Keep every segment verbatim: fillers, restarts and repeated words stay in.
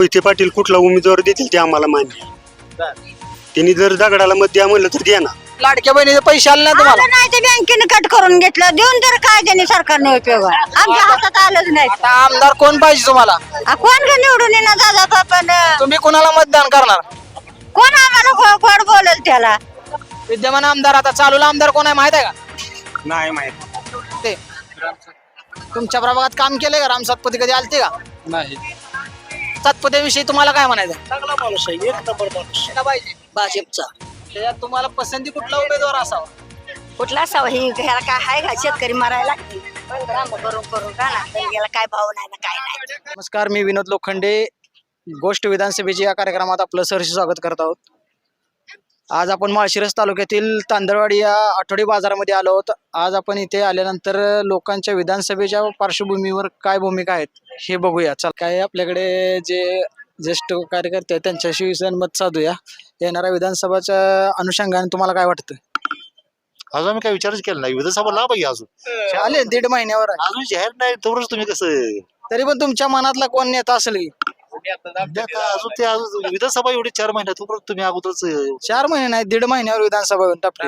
मोहिते पाटील कुठला उमेदवार देतील ते आम्हाला मान्य आहे. त्यांनी जर दगडाला मत द्या म्हणलं तर द्या ना. लाडक्या बहिणीचे पैसे आले नाही तुम्हाला? आलं नाही ते बँकेने कट करून घेतलं देऊन तर काय त्यांनी सरकारने उपयोग आहे? आमच्या हातात आलंच नाही. आता आमदार कोण पाहिजे तुम्हाला? आ, कोण का निवडून येणार दादा बापान? तुम्ही कोणाला मतदान करणार? कोण आम्हाला गो- गोड बोलेल त्याला? विद्यमान आमदार आता चालूला आमदार कोण आहे माहित आहे का? नाही माहित. ते तुमच्या प्रभागात काम केलंय का? राम सातपती कधी आलते का? नाही. सातपत्याविषयी तुम्हाला काय म्हणायचं? चांगला माणूस आहे, एक नंबर माणूस. कुठला पाहिजे? भाजपचा. त्याच्यात तुम्हाला पसंती कुठला उमेदवार असावा? कुठला असावा? ही घ्यायला काय आहे का? शेतकरी मरायला करून करून का ना याला काय भाव नाही ना काय नाही. नमस्कार, मी विनोद लोखंडे. गोष्ट विधानसभेची या कार्यक्रमात आपलं सहर्ष स्वागत करत आहोत. आज आपण माळशिरस तालुक्यातील तांदळवाडी या आठवडी बाजारामध्ये आलो आहोत. आज आपण इथे आल्यानंतर लोकांच्या विधानसभेच्या पार्श्वभूमीवर काय भूमिका आहेत हे बघूया. चल, काय आपल्याकडे जे ज्येष्ठ कार्यकर्ते आहेत त्यांच्याशी मत साधूया. येणाऱ्या विधानसभाच्या अनुषंगाने तुम्हाला काय वाटतं? अजून आम्ही काय विचारच केला नाही. विधानसभा लाभ आहे अजून आले दीड महिन्यावर आहे. अजून जाहीर नाही तोवरच तुम्ही कसं तरी पण तुमच्या मनातला कोण नेता असेल की? आता अजून ते अजून विधानसभा एवढी चार महिन्यात तोपर्यंत तुम्ही अगोदरच चार महिने नाही दीड महिन्यावर विधानसभा येऊन टाकली.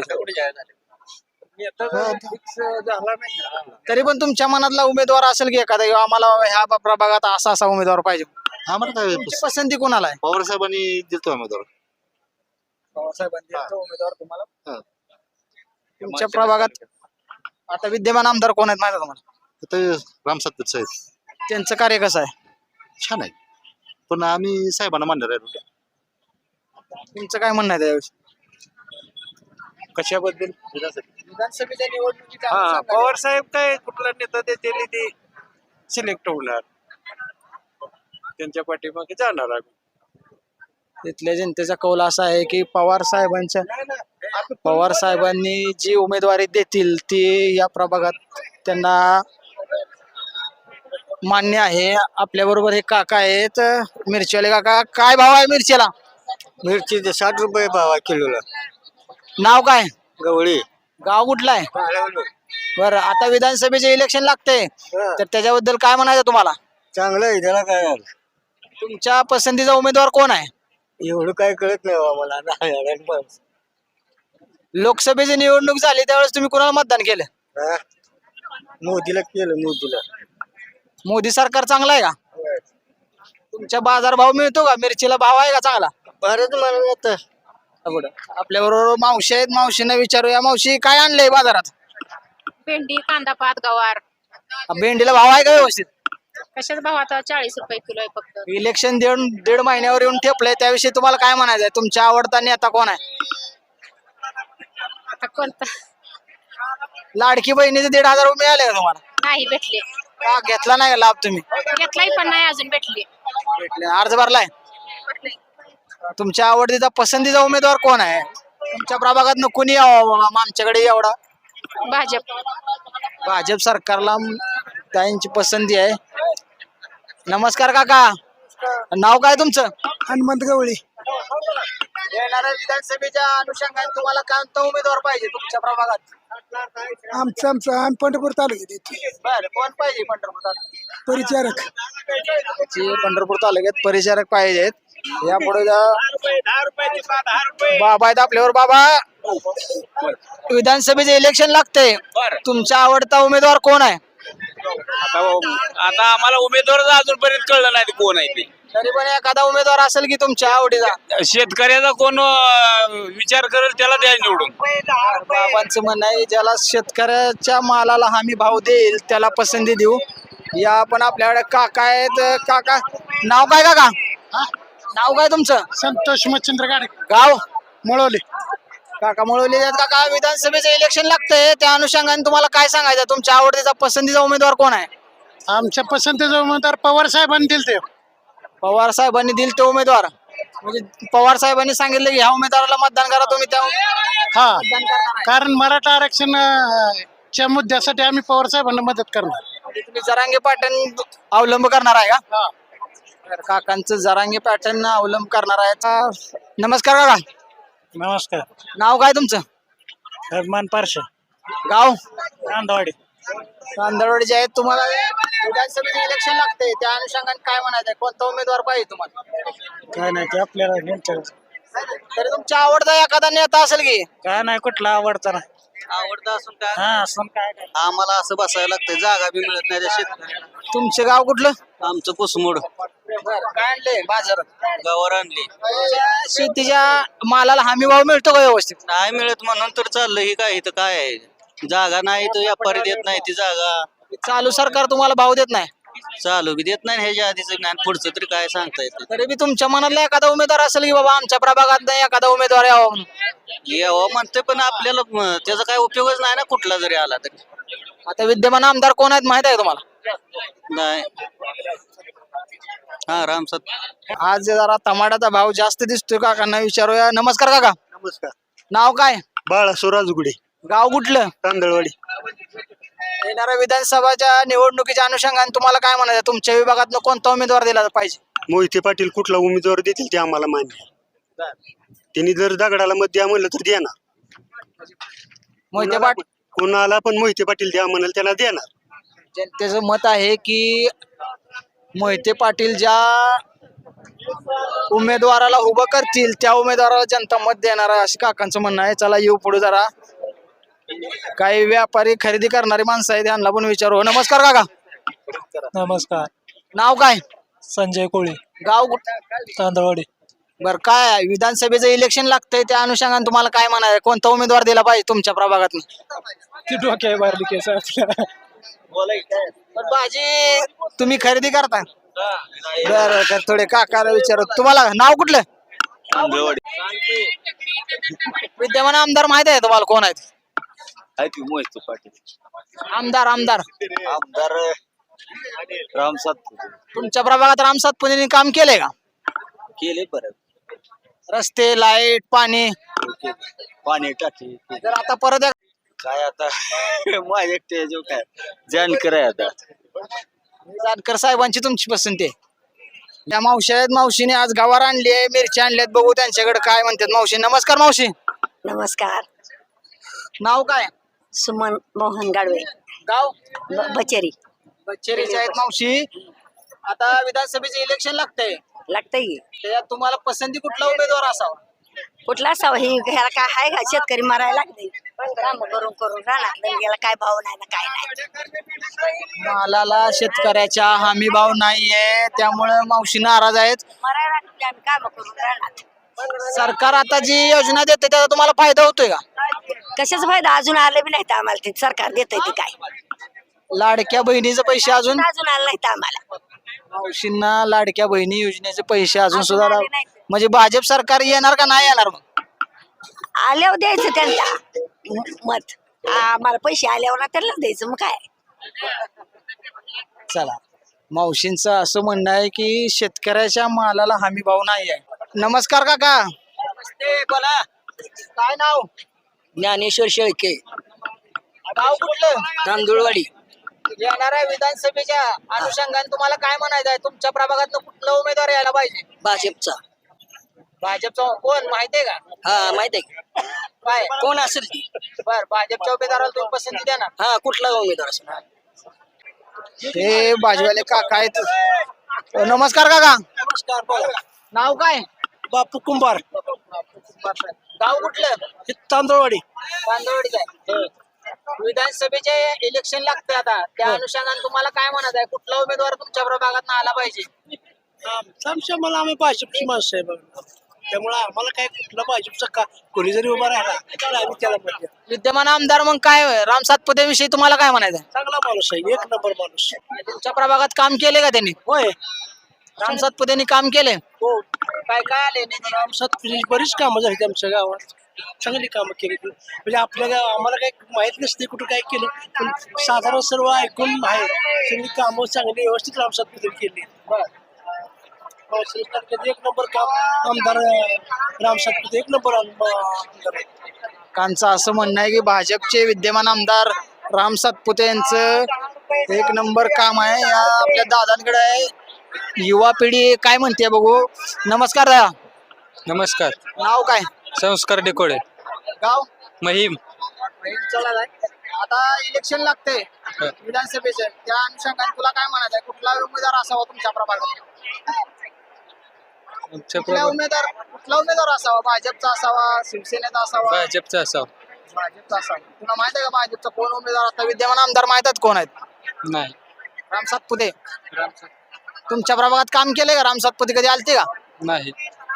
तरी पण तुमच्या मनातला उमेदवार असेल की एखादा किंवा आम्हाला ह्या प्रभागात असा असा उमेदवार पाहिजे? आम्हाला काय तुमची पसंती कोणाला आहे? पवार साहेबांनी दिलतो उमेदवार. उमेदवार तुम्हाला हा. तुमच्या प्रभागात आता विद्यमान आमदार कोण आहेत माहिती आहे तुम्हाला? आता राम सातपुते साहेब त्यांचं कार्य कसं आहे? छान आहे, पण आम्ही साहेबांना मानणार आहे. तुमचं काय म्हणणं आहे त्याविषयी? कशाबद्दल? विधानसभेच्या निवडणुकीच्या हा, अनुषंगाने पवार साहेब काय कुठला नेता देतील ते सिलेक्ट होणार, त्यांच्या पाठीमागे जाणार आम्ही. तिथल्या जनतेचा कौल असा आहे की पवार साहेबांच्या पवार साहेबांनी जी उमेदवारी देतील ती या प्रभागात त्यांना मान्य आहे. आपल्या बरोबर हे काका आहेत, मिरचीवाले काका. काय भाव आहे मिरचीला? मिरची साठ रुपये भाव किलोला. नाव काय? गवळी. गाव कुठलं आहे? बरं, आता विधानसभेचे इलेक्शन लागते तर त्याच्याबद्दल काय म्हणायचं तुम्हाला? चांगलं आहे, त्याला काय झालं? तुमच्या पसंतीचा उमेदवार कोण आहे? एवढं काय कळत नाही आम्हाला. लोकसभेची निवडणूक झाली त्यावेळेस तुम्ही कोणाला मतदान केलं? हा? मोदीला केलं, मोदीला. मोदी सरकार चांगलं आहे का? तुमच्या बाजार भाव मिळतो का? मिरचीला भाव आहे का चांगला? भारत मला आता आपल्या बरोबर मावशी आहेत, मावशींना विचारूया. मावशी, काय आणलंय बाजारात? भेंडी, कांदा, पात, गवार. भेंडीला भाव आहे का व्यवस्थित? कशाच भाव आता चाळीस रुपये किलो आहे फक्त. इलेक्शन दीड दीड महिन्यावर येऊन ठेपलंय, त्याविषयी तुम्हाला काय म्हणायचंय? तुमच्या आवडता नेता कोण आहे? आता कोणता लाडकी बहिणीचे दीड हजार रुपये मिळाले का तुम्हाला? नाही भेटले. का घेतला नाही का लाभ तुम्ही? घेतलाही पण नाही अजून भेटले. भेटले. अर्ज भरलाय? तुमच्या आवडतीचा पसंतीचा उमेदवार कोण आहे? तुमच्या प्रभागात कोणी यावं बाबा आमच्याकडे एवढा? भाजप. भाजप सरकारला त्यांची पसंती आहे. नमस्कार काका, नाव काय तुमचं? हनुमंत गवळी. येणाऱ्या विधानसभेच्या अनुषंगाने तुम्हाला कोणता उमेदवार पाहिजे तुमच्या प्रभागात? आमचं आमचं आम्ही पंढरपूर तालुक्यात येतो. बरं, कोण पाहिजे पंढरपूर तालुक्यात? परिचारक जे पंढरपूर तालुक्यात परिचारक पाहिजेत. यापुढे बाबा आहेत आपल्यावर. बाबा, विधानसभेचे इलेक्शन लागते, तुमचा आवडता उमेदवार कोण आहे? आता आम्हाला उमेदवार अजूनपर्यंत कळलं नाही कोण आहे ते. तरी पण एखादा उमेदवार असेल की तुमच्या आवडीचा? शेतकऱ्याचा कोण अं, विचार करेल त्याला द्या निवडून. बाबांचं म्हणणं आहे ज्याला शेतकऱ्याच्या मालाला हमी भाव देईल त्याला पसंती देऊ. या आपण आपल्याकडे काका आहेत. काका, नाव काय काका? नाव काय तुमचं? संतोष मच्छिंद्र गाडे, गाव? मळवले. काका मळवली आहेत. काका, विधानसभेचं इलेक्शन लागतंय, त्या अनुषंगाने तुम्हाला काय सांगायचं? तुमच्या आवडतीचा पसंतीचा उमेदवार कोण आहे? आमच्या पसंतीचा उमेदवार पवार साहेबांनी दिले ते. पवार साहेबांनी दिल ते उमेदवार म्हणजे पवार साहेबांनी सांगितलं की ह्या उमेदवाराला मतदान करा, तुम्ही त्या हा, मतदान करणार आहे. कारण मराठा आरक्षण अं, च्या मुद्द्यासाठी आम्ही पवार साहेबांना मदत करणार. म्हणजे तुम्ही जरांगे पॅटर्न अवलंब करणार आहे का? तर काकांचं जरांगे पॅटर्न अवलंब करणार आहे. नमस्कार काका, नमस्कार. नाव काय तुमचं? रहमान पारशा, गाव? कांदवाडी. तांदळवाडी जे आहेत तुम्हाला विधानसभेचे इलेक्शन लागते त्या अनुषंगाने काय म्हणायचं आहे? कोणता उमेदवार पाहिजे तुम्हाला? काय नाही ते आपल्याला तरी तुमच्या आवडता एखादा नेता असेल की काय नाही कुठला आवडता नाही आवडता असून काय हा असं काय आम्हाला असं बसायला लागतं जागा बी मिळत नाही त्या शेतकऱ्याला. तुमचं गाव कुठलं? आमचं कुसमोड काय आणलंय बाजारात? गावावर आणली शेतीच्या मालाला हमी भाव मिळतो का व्यवस्थित? नाही मिळत म्हणून तर चाललंय ही काय इथं काय आहे जागा नाही तर व्यापारी देत नाही ती जागा चालू सरकार तुम्हाला भाव देत नाही चालू बी देत नाही ह्याच्या आधीच नाही पुढचं तरी काय सांगता येतं तरी बी तुमच्या मनातला एखादा उमेदवार असेल की बाबा आमच्या प्रभागात नाही एखादा उमेदवार यावा म्हणून. यावं म्हणते पण आपल्याला म, त्याचा काय उपयोगच नाही ना कुठला जरी आला तरी आता विद्यमान आमदार कोण आहेत माहित आहे तुम्हाला? नाही हा रामसत आज जरा टमाट्याचा भाव जास्त दिसतोय काकांना विचारूया. नमस्कार काका, नमस्कार. नाव काय? बाळासो राजगुडे, गाव कुठलं? तांदळवाडी. येणाऱ्या विधानसभाच्या निवडणुकीच्या अनुषंगाने तुम्हाला काय म्हणायचं? तुमच्या विभागात कोणता उमेदवार दिला पाहिजे? मोहिते पाटील कुठला उमेदवार देतील ते आम्हाला मान्य आहे. त्यांनी जर दगडाला मत द्या म्हणलं तर देणार. मोहिते पाटील कोणाला पण मोहिते पाटील द्या म्हणाल त्याला देणार. जनतेचं मत आहे की मोहिते पाटील ज्या उमेदवाराला उभं करतील त्या उमेदवाराला जनता मत देणार आहे अशी काकांचं म्हणणं आहे. चला येऊ पुढे जरा काही व्यापारी खरेदी करणारी माणसं आहेत त्यांना पण विचारू. नमस्कार काका, नमस्कार. नाव काय? संजय कोळी, गाव कुठं? तांदळवाडी. बर, काय आहे? विधानसभेचं इलेक्शन लागतंय त्या अनुषंगाने तुम्हाला काय म्हणाय? कोणता उमेदवार दिला पाहिजे तुमच्या प्रभागात? ती डोक्या बाहेरली केस आपल्या पण भाजी तुम्ही खरेदी करता? बर, तर थोडे काकाला विचारू. तुम्हाला नाव कुठलं? विद्यमान आमदार माहित आहे तुम्हाला कोण आहेत? मोहिते पाटील आमदार आमदार आमदार रामसत तुमच्या प्रभागात राम सातपुतेंनी काम केलंय का? केले परत रस्ते, लाईट, पाणी? पाणी टाकी जर आता परत एक- काय आता माझ्या एकटे जो काय जानकर आहे आता जानकर साहेबांची तुमची पसंती आहे? त्या मावशी आहेत, मावशीने आज गवार आणली आहे, मिरची आणल्यात, बघू त्यांच्याकडे काय म्हणतात. मावशी नमस्कार. मावशी नमस्कार. नाव काय? सुमन मोहन गाडवे, गाव? ब- बचेरी. बच्चेरीचे आहेत मावशी. आता विधानसभेचे इलेक्शन लागतंय, लागतंय. त्याच्यात तुम्हाला पसंती कुठला उमेदवार असावा? कुठला असावं? ही ह्याला काय आहे का? शेतकरी मारायला लागले काम करून करून राहणार याला काय भाव नाही ना काय नाही. मालाला शेतकऱ्याच्या हमी भाव नाहीये त्यामुळे मावशी नाराज आहेत. मरायला लागले आम्ही काम करून राहणार. सरकार आता जी योजना देते त्याचा तुम्हाला फायदा होतोय का? कशाच फायदा? अजून आलं बी नाही तर आम्हाला ते सरकार देतंय ते काय लाडक्या बहिणीचे पैसे अजून अजून आलं नाही तर आम्हाला. मावशींना लाडक्या बहिणी योजनेचे पैसे अजून सुद्धा राव- म्हणजे भाजप सरकार येणार का नाही येणार? मग आल्यावर द्यायचं त्यांना म- मत. आम्हाला पैसे आल्यावर ना त्यांनाच द्यायचं मग काय. चला, मावशींचं असं म्हणणं आहे की शेतकऱ्याच्या मालाला हमी भाव नाही आहे. नमस्कार काका. नमस्ते, बोला. काय नाव? ज्ञानेश्वर शेळके गाव कुठलं? तांदूळवाडी येणाऱ्या विधानसभेच्या अनुषंगाने तुम्हाला काय म्हणायचं आहे? तुमच्या प्रभागात कुठला उमेदवार यायला पाहिजे? भाजपचा भाजपचा कोण माहितीये का? हा माहित आहे काय कोण असेल ती बर, भाजपच्या उमेदवाराला तुम्ही पसंती देणार? हा कुठला उमेदवार असेल हे भाजवाले काका आहेत. नमस्कार काका. नमस्कार. नाव काय? बापू कुंभार, गाव कुठलं? तांदळवाडी. तांदळवाडीचं आहे. विधानसभेचे इलेक्शन लागते आता त्या अनुषंगाने तुम्हाला काय म्हणायचं आहे? कुठला उमेदवार तुमच्या प्रभागात आला पाहिजे? आमच्या मला आम्ही भाजपची माणसं आहे बघा, त्यामुळे आम्हाला काय कुठला भाजपचा का कोणी जरी उभा राहिला तर आम्ही त्याला मत देऊ. विद्यमान आमदार मग काय राम सातपुते विषयी तुम्हाला काय म्हणायचं आहे? चांगला माणूस आहे, एक नंबर माणूस. तुमच्या प्रभागात काम केले का त्यांनी? होय, राम सातपुतेंनी काम केले? हो. काय काय आले निधी? आमच्यात बरीच कामं झाली आमच्या गावात, चांगली कामं केली. म्हणजे आपल्या गाव आम्हाला काही माहित नसते कुठं काय केलं, पण साधारण सर्व ऐकून आहे सगळी कामं चांगली व्यवस्थित रामसात केली. एक नंबर काम आमदार राम सातपुते, एक नंबर आमदार आहे. कांचं असं म्हणणं आहे की भाजपचे विद्यमान आमदार राम सातपुते यांचं एक नंबर काम आहे. या आपल्या दादांकडे आहे. युवा पिढी काय म्हणते बघू. नमस्कार दादा. नमस्कार. नाव काय? संस्कार डेकोडे गाव? महिम आता इलेक्शन लागते विधानसभेचे, त्या अनुषंगाने तुला काय म्हणायचं आहे? कुठला उमेदवार असावा तुमच्या प्रभागात? कुठला उमेदवार कुठला उमेदवार असावा? भाजपचा असावा, शिवसेनेचा असावा? भाजपचा असावं. भाजपचा असावा. तुला माहित आहे का भाजपचा कोण उमेदवार आता विद्यमान आमदार माहित आहेत कोण आहेत? नाही. राम सातपुते. तुमच्या प्रभागात काम केलंय का? राम सातपुते कधी आलते का? नाही.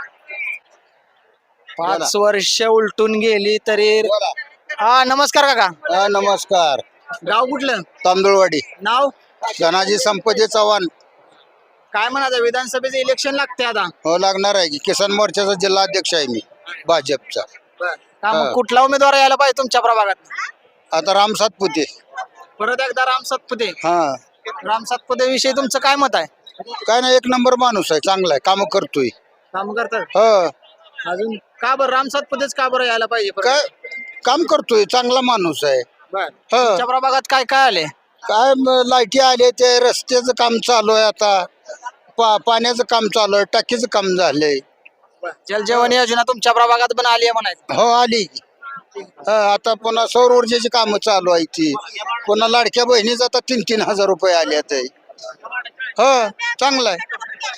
पाच वर्ष उलटून गेली तरी. हा नमस्कार काका. नमस्कार. गाव कुठलं? तांदूळवाडी. नाव? धनाजी संपदे चव्हाण. काय म्हणायचं? विधानसभेचे इलेक्शन लागते आता. हो लागणार आहे की किसान मोर्चाचा जिल्हा अध्यक्ष आहे मी भाजपचा. का मग कुठला उमेदवार यायला पाहिजे तुमच्या प्रभागात? आता राम सातपुते. परत एकदा राम सातपुते. हा राम सातपुते विषयी तुमचं काय मत आहे? काय नाही, एक नंबर माणूस आहे, चांगला आहे, काम करतोय. काम करतात. हो अजून का बरं राम सातपुतेच का बरं यायला पाहिजे परत? काय काम करतोय, चांगला माणूस आहे. बरं. हो तुमच्या प्रभागात काय काय आले? काय म- लाईटी आले, ते रस्त्याचं काम चालू आहे आता, पा पाण्याचं काम चालू आहे, टाकीचं काम झालंय. जलजीवन योजना तुमच्या प्रभागात पण आली आहे म्हणायचं. हो आली. हा, आता पुन्हा सौर ऊर्जेची कामं चालू आहे ती, पुन्हा लाडक्या बहिणीच आता तीन तीन हजार रुपये आले ते. हो चांगलं आहे.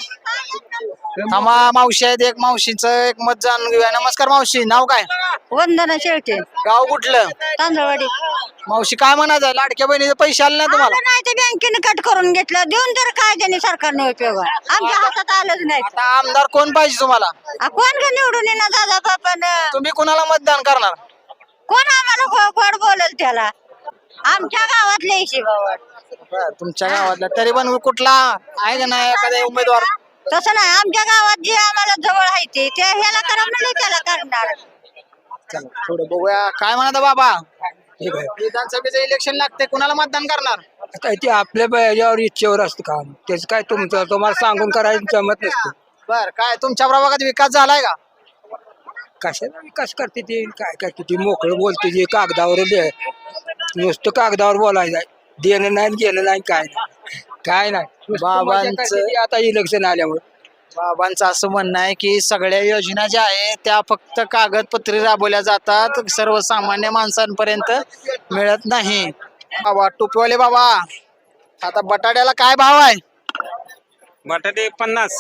थांबा, मावशी आहेत, एक मावशीचं एक मत जाणून घेऊया. नमस्कार मावशी, नाव काय? वंदना शेळके, गाव कुठलं? तांदळवाडी. मावशी काय म्हणायचं? लाडक्या बहिणीचे पैसे आले नाही तुम्हाला? आलं नाही ते बँकेने कट करून घेतलं, देऊन तर काय त्यांनी सरकारने उपयोग आहे? आमच्या हातात आलंच नाही. आता आमदार कोण पाहिजे तुम्हाला? आ, कोण का निवडून येणार दादा बापान? तुम्ही कोणाला मतदान करणार? कोण आम्हाला गो- गोड बोलेल त्याला? आमच्या गावातले इशी बाबा. तुमच्या गावातला तरी पण कुठला आहे का नाही एखादा उमेदवार? तसं नाही, आमच्या गावात जे आम्हाला जवळ आहे ते ते ह्याला करा म्हणले त्याला करणार. चला थोडं बघूया काय म्हणता बाबा. विधानसभेचं इलेक्शन लागते, कुणाला मतदान करणार? काय ते आपल्या याच्यावर इच्छेवर असतं काम, त्याच काय तुमचं तुम्हाला सांगून करायचं जमत नसतं. बर, काय तुमच्या प्रभागात विकास झालाय का? कशाला विकास करते ते, काय करते ती, मोकळं बोलते ते, कागदावर दे- नुसतं कागदावर बोलायचं, देणं नाही घेणं नाही, काय नाही काय नाही. नुसतं मजा बाबांचं- करते ती आता इलेक्शन आल्यामुळे. बाबांचं असं म्हणणं आहे की सगळ्या योजना ज्या आहेत त्या फक्त कागदपत्री राबवल्या जातात, सर्वसामान्य माणसांपर्यंत मिळत नाही. बाबा टोपीवाले बाबा, आता बटाट्याला काय भाव आहे? बटाटे पन्नास.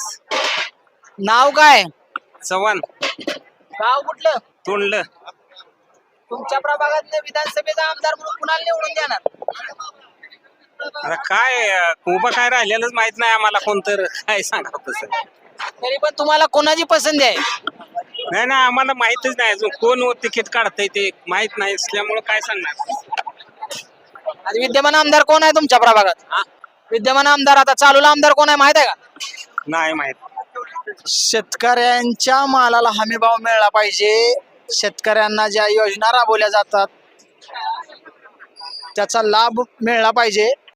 नाव काय? चव्हाण. गाव कुठलं? तोंडलं. तुमच्या प्रभागात विधानसभेचा आमदार म्हणून कुणाला निवडून देणार? आता काय उभं काय राहिलेलंच माहित नाही आम्हाला, कोणतं काय सांगा तसं. तरी पण तुम्हाला कोणाची पसंती आहे? नाही ना, आम्हाला माहितच नाही अजून कोण तिकीट काढतंय ते माहित नाही असल्यामुळे काय सांगणार. आणि विद्यमान आमदार कोण आहे तुमच्या प्रभागात? विद्यमान आमदार आता चालूला आमदार कोण आहे माहित आहे का? नाही माहित. शेतकऱ्यांच्या मालाला हमी भाव मिळाला पाहिजे, शेतकऱ्यांना ज्या योजना राबवल्या जातात त्याचा लाभ मिळाला पाहिजे,